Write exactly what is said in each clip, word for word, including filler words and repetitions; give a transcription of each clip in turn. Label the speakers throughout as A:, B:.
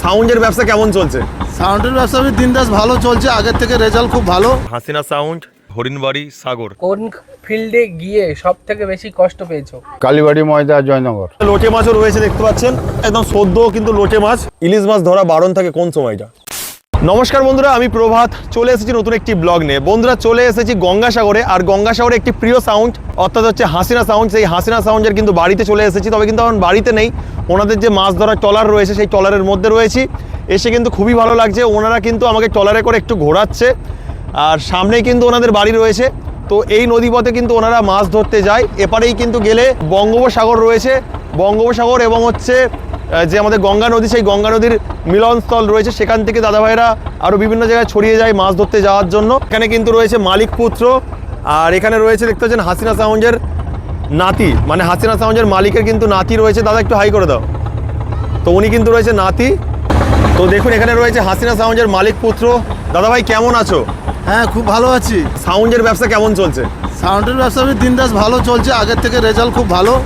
A: সাউন্ডের ব্যবসা কেমন চলছে?
B: সাউন্ডের ব্যবসা দিন দাস ভালো চলছে, আগের থেকে রেজাল্ট খুব ভালো।
A: হাসিনা সাউন্ড, হরিণবাড়ি, সাগর।
C: কোন ফিল্ডে গিয়ে সব থেকে বেশি কষ্ট পেয়েছো?
D: কালীবাড়ি, ময়দা, জয়নগর।
A: লোটে মাছও রয়েছে দেখতে পাচ্ছেন, একদম সদ্য কিন্তু লোটে মাছ। ইলিশ মাছ ধরা বারণ থাকে কোন সময়টা? নমস্কার বন্ধুরা, আমি প্রভাত, চলে এসেছি নতুন একটি ব্লগ নিয়ে। বন্ধুরা চলে এসেছি গঙ্গাসাগরে, আর গঙ্গাসাগরে একটি প্রিয় সাউন্ড অর্থাৎ হচ্ছে হাসিনা সাউন্ড। সেই হাসিনা সাউন্ডের কিন্তু বাড়িতে চলে এসেছি, তবে কিন্তু এখন বাড়িতে নেই। ওনাদের যে মাছ ধরার ট্রলার রয়েছে সেই ট্রলারের মধ্যে রয়েছি। এসে কিন্তু খুবই ভালো লাগছে, ওনারা কিন্তু আমাকে ট্রলারে করে একটু ঘোরাচ্ছে, আর সামনেই কিন্তু ওনাদের বাড়ি রয়েছে। তো এই নদীপথে কিন্তু ওনারা মাছ ধরতে যায়। এপারেই কিন্তু গেলে বঙ্গোপসাগর রয়েছে, বঙ্গোপসাগর এবং হচ্ছে যে আমাদের গঙ্গা নদী, সেই গঙ্গা নদীর মিলনস্থল রয়েছে। সেখান থেকে দাদা ভাইরা আরও বিভিন্ন জায়গায় ছড়িয়ে যায় মাছ ধরতে যাওয়ার জন্য। এখানে কিন্তু রয়েছে মালিক পুত্র, আর এখানে রয়েছে দেখতে পাচ্ছেন হাসিনা সাউন্ডের নাতি, মানে হাসিনা সাউন্ডের মালিকের কিন্তু নাতি রয়েছে। দাদা একটু হাই করে দাও। তো উনি কিন্তু রয়েছে নাতি। তো দেখুন এখানে রয়েছে হাসিনা সাউন্ডের মালিক পুত্র। দাদা ভাই কেমন আছো?
B: হ্যাঁ, খুব ভালো আছি।
A: সাউন্ডের ব্যবসা কেমন চলছে?
B: সাউন্ডের ব্যবসা দিন দাস ভালো চলছে, আগের থেকে রেজাল্ট খুব ভালো।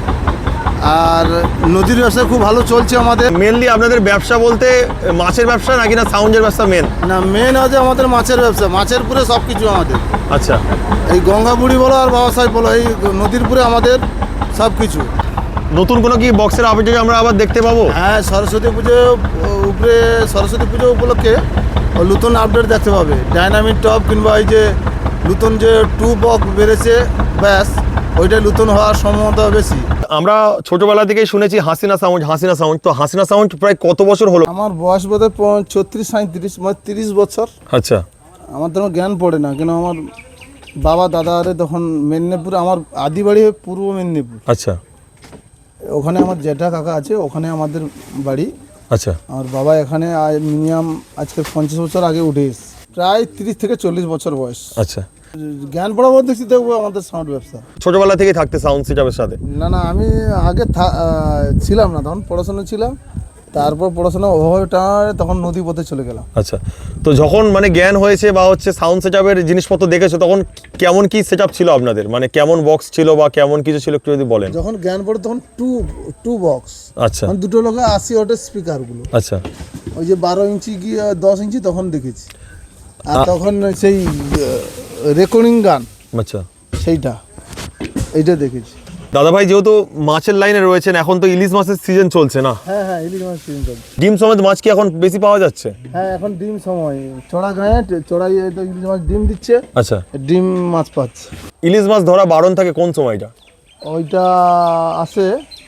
B: আর নদীর ব্যবসা খুব ভালো চলছে আমাদের।
A: মেনলি আপনাদের ব্যবসা বলতে মাছের ব্যবসা নাকি না সাউন্ডের ব্যবসা মেন?
B: না, মেন আছে আমাদের মাছের ব্যবসা, মাছের পুরে সব কিছু আমাদের।
A: আচ্ছা,
B: এই গঙ্গা বুড়ি বলো আর বাবা সাহেব বলো, এই নদীর পুরে আমাদের সব কিছু।
A: নতুন কোনো কি বক্সের আপডেট আমরা আবার দেখতে পাবো?
B: হ্যাঁ, সরস্বতী পুজো উপরে, সরস্বতী পুজো উপলক্ষে নতুন আপডেট দেখতে পাবে। ডাইনামিক টপ কিংবা এই যে নতুন যে টু বক্স বেড়েছে, ব্যাস ওইটা নতুন হওয়ার সম্ভাবনা বেশি।
A: আমরা ছোটবেলা থেকেই শুনেছি হাসিনা সাউন্ড, হাসিনা সাউন্ড। তো হাসিনা সাউন্ড প্রায় কত বছর হলো?
B: আমার বয়স বোধহয় ছত্রিশ সাঁত্রিশ, মানে তিরিশ বছর।
A: আচ্ছা,
B: আমার তখন জ্ঞান পড়ে না, কেন আমার বাবা দাদারে তখন মেদিনীপুর, আমার আদি বাড়ি পূর্ব মেদিনীপুর।
A: আচ্ছা,
B: ওখানে আমার জ্যাঠা কাকা আছে, ওখানে আমাদের বাড়ি।
A: আচ্ছা,
B: আমার বাবা এখানে মিনিমাম আজকে পঞ্চাশ বছর আগে উঠে এসেছে, প্রায় তিরিশ থেকে চল্লিশ বছর বয়স।
A: আচ্ছা।
B: জ্ঞান পড়া বলতে দেখছি দেখবো আমাদের সাউন্ড ব্যবসা।
A: ছোটবেলা থেকে থাকতে সাউন্ড সিস্টেমের সাথে?
B: না না, আমি আগে ছিলাম না, তখন পড়াশোনা ছিলাম, তারপর পড়াশোনা ওভাবেটা তখন নদী পথে চলে গেলাম।
A: আচ্ছা, তো যখন মানে জ্ঞান হয়েছে বা হচ্ছে সাউন্ড সেটআপের জিনিসপত্র দেখেছো, তখন কেমন কি সেটআপ ছিল আপনাদের? মানে কেমন বক্স ছিল বা কেমন কিছু ছিল একটু যদি বলেন।
B: যখন জ্ঞান পড়ে তখন টু টু বক্স।
A: আচ্ছা,
B: দুটো লোকে আশি ওয়াটের স্পিকারগুলো।
A: আচ্ছা,
B: ওই যে বারো ইঞ্চি কি দশ ইঞ্চি তখন দেখেছি। আর তখন সেই রেকর্ডিং গান,
A: আচ্ছা,
B: সেইটা এইটা দেখেছি।
A: দাদা ভাই যেহেতু মাছের লাইনে রয়েছেন, এখন তো ইলিশ মাছের সিজন চলছে না?
B: হ্যাঁ হ্যাঁ, ইলিশ মাছ সিজন চলছে।
A: ডিম সমেত মাছ কি এখন বেশি পাওয়া যাচ্ছে?
B: হ্যাঁ, এখন ডিম সময়, চড়া গায়ে চড়াই ইলিশ মাছ ডিম দিচ্ছে।
A: আচ্ছা,
B: ডিম মাছ পাচ্ছে।
A: ইলিশ মাছ ধরা বারণ থাকে কোন সময়টা?
B: ওইটা আসে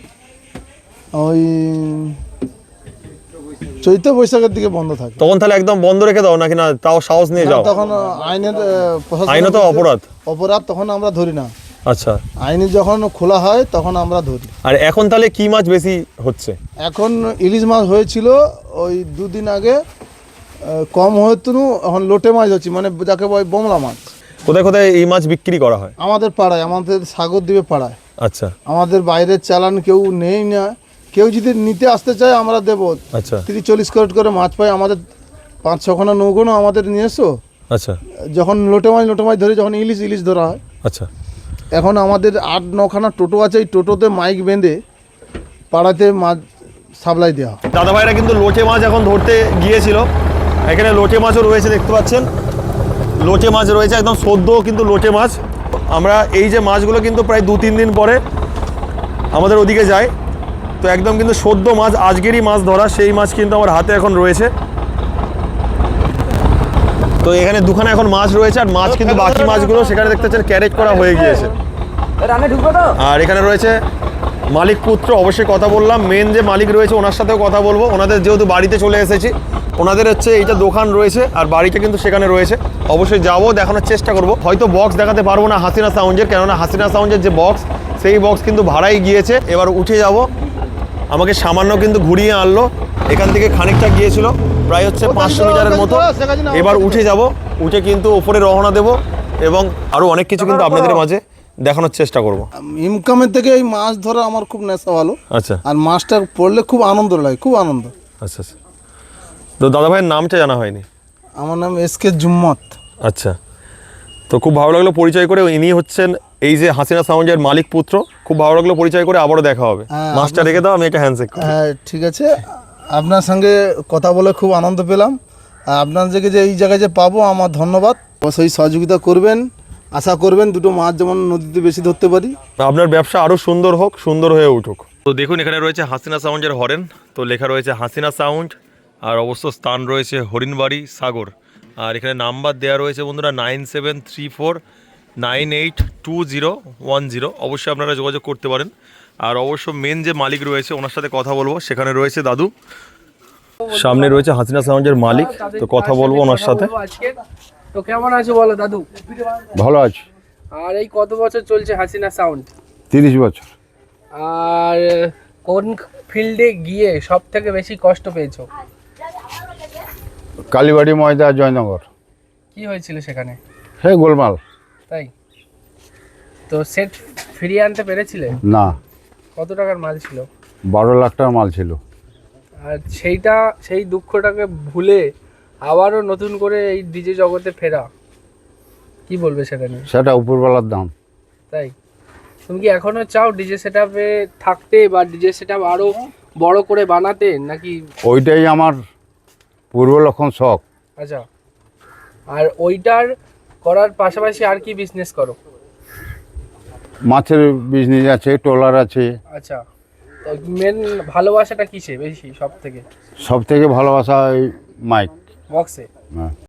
B: ওই চৈত্র বৈশাখের দিকে বন্ধ থাকে।
A: তখন তাহলে একদম বন্ধ রেখে দাও নাকি না তাও সাহস নিয়ে যাও?
B: তখন আইনের
A: আইনত অপরাধ
B: অপরাধ তখন আমরা ধরি না।
A: আচ্ছা,
B: আইনে যখন খোলা হয় তখন আমরা ধরি।
A: আর এখন তাহলে কি মাছ বেশি হচ্ছে?
B: এখন ইলিশ মাছ হয়েছিল ওই দুদিন আগে, কম হয়েছিল। এখন লোটে মাছ হচ্ছে, মানে যাকে বলে বোমলা মাছ।
A: কোথায় কোথায় এই মাছ বিক্রি করা হয়?
B: আমাদের পাড়ায়, আমাদের সাগর দ্বীপে পাড়ায়।
A: আচ্ছা,
B: আমাদের বাইরের চালান কেউ নেই না, কেউ যদি নিতে আসতে চায় আমরা দেবো।
A: আচ্ছা,
B: তিরিশ চল্লিশ ক্যারেট করে মাছ পাই আমাদের, পাঁচ ছখানা নৌকোনো আমাদের নিয়ে এসো।
A: আচ্ছা,
B: যখন লোটে মাছ লোটে মাছ ধরে, যখন ইলিশ ইলিশ ধরা হয়।
A: আচ্ছা,
B: এখন আমাদের আট নখানা টোটো আছে, এই টোটোতে মাইক বেঁধে পাড়াতে মাছ সাপ্লাই দেওয়া হয়।
A: দাদা ভাইরা কিন্তু লোটে মাছ এখন ধরতে গিয়েছিল। এখানে লোটে মাছও রয়েছে দেখতে পাচ্ছেন, লোটে মাছ রয়েছে একদম সদ্য কিন্তু লোটে মাছ। আমরা এই যে মাছগুলো কিন্তু প্রায় দু তিন দিন পরে আমাদের ওদিকে যায়। তো একদম কিন্তু সদ্য মাছ, আজকেরই মাছ ধরা সেই মাছ কিন্তু আমার হাতে এখন রয়েছে। তো এখানে দুখানে এখন মাছ রয়েছে, আর মাছ কিন্তু বাকি মাছগুলো সেখানে দেখতে পাচ্ছেন ক্যারেজ করা হয়ে গিয়েছে। আর এখানে রয়েছে মালিক পুত্র, অবশ্যই কথা বললাম, মেন যে মালিক রয়েছে ওনার সাথেও কথা বলবো। ওনাদের যেহেতু বাড়িতে চলে এসেছি, ওনাদের হচ্ছে এইটা দোকান রয়েছে আর বাড়িটা কিন্তু সেখানে রয়েছে। অবশ্যই যাবো, দেখানোর চেষ্টা করব। হয়তো বক্স দেখাতে পারবো না হাসিনা সাউন্ডের, কেননা হাসিনা সাউন্ডের যে বক্স সেই বক্স কিন্তু ভাড়াই গিয়েছে। এবার উঠে যাব, আমাকে সামান্য কিন্তু ঘুরিয়ে আনলো, এখান থেকে খানিকটা গিয়েছিল প্রায় হচ্ছে পাঁচশো মিটারের মতো। এবার উঠে যাব, উঠে কিন্তু ওপরে রওনা দেব এবং আরও অনেক কিছু কিন্তু আপনাদের মাঝে দেখানোর চেষ্টা করব।
B: ইনকামের থেকে এই মাছ ধরা আমার খুব নেশা ভালো।
A: আচ্ছা,
B: আর মাছটা পড়লে খুব আনন্দ লাগে, খুব আনন্দ।
A: আচ্ছা, আচ্ছা। তো দাদা ভাইয়ের নামটা জানা হয়নি।
B: আমার নাম এস কে জুম্মত।
A: আচ্ছা, তো খুব ভালো লাগলো পরিচয় করে। ইনি হচ্ছেন এই যে হাসিনা সাউন্ডের মালিক পুত্র। খুব ভালো লাগলো পরিচয় করে, আবারও দেখা হবে। মাছটা রেখে দাও, আমি একটা হ্যান্ডশেক করি।
B: হ্যাঁ ঠিক আছে, আপনার সঙ্গে কথা বলে খুব আনন্দ পেলাম। আর আপনার থেকে যে এই জায়গায় যে পাবো আমার ধন্যবাদ। সেই সহযোগিতা করবেন, আশা করবেন দুটো মাছ যেমন নদীতে বেশি ধরতে পারি।
A: আপনার ব্যবসা আরও সুন্দর হোক, সুন্দর হয়ে উঠুক। তো দেখুন এখানে রয়েছে হাসিনা সাউন্ডের হরেন, তো লেখা রয়েছে হাসিনা সাউন্ড, আর অবশ্য স্থান রয়েছে হরিণবাড়ি সাগর। আর এখানে নাম্বার দেওয়া রয়েছে বন্ধুরা nine seven three four nine eight two zero one zero. অবশ্যই আপনারা যোগাযোগ করতে পারেন। আর অবশ্য মেন যে মালিক রয়েছে ওনার সাথে কথা বলবো, সেখানে রয়েছে দাদু, সামনে রয়েছে হাসিনা সাউন্ডের মালিক, তো কথা বলবো ওনার সাথে।
C: আজকে তো কেমন আছো বলো দাদু?
D: ভালো আছে।
C: আর এই কত বছর চলছে হাসিনা সাউন্ড?
D: তিরিশ বছর।
C: আর কোন ফিল্ডে গিয়ে সব থেকে বেশি কষ্ট পেয়েছো?
D: কালীবাড়ি ময়দা জয়নগর।
C: কি হয়েছিল সেখানে?
D: হে গোলমাল।
C: তাই তো সেট ফিরিয়ে আনতে পেরেছিলে?
D: না,
C: কত টাকার মাল ছিল?
D: বারো লাখ টাকার মাল ছিল।
C: আর সেইটা সেই দুঃখটাকে ভুলে আবারও নতুন করে এই ডিজে জগতে ফেরা, কি বলবে সেটা নিয়ে?
D: সেটা উপরবেলার দাম।
C: তাই তুমি কি এখনো চাও ডিজে সেটআপে থাকতে বা ডিজে সেটআপ আরো বড় করে বানাতে নাকি?
D: ওইটাই আমার পূর্ব লক্ষণ শখ।
C: আচ্ছা, আর ওইটার করার পাশাপাশি আর কি বিজনেস করো?
D: মাছের বিজনেস আছে, ট্রলার আছে।
C: আচ্ছা, তো মেন ভালোবাসাটা কিসে বেশি সব থেকে?
D: সব থেকে ভালোবাসা ওই মাইক।
C: বক্সে?
D: হ্যাঁ।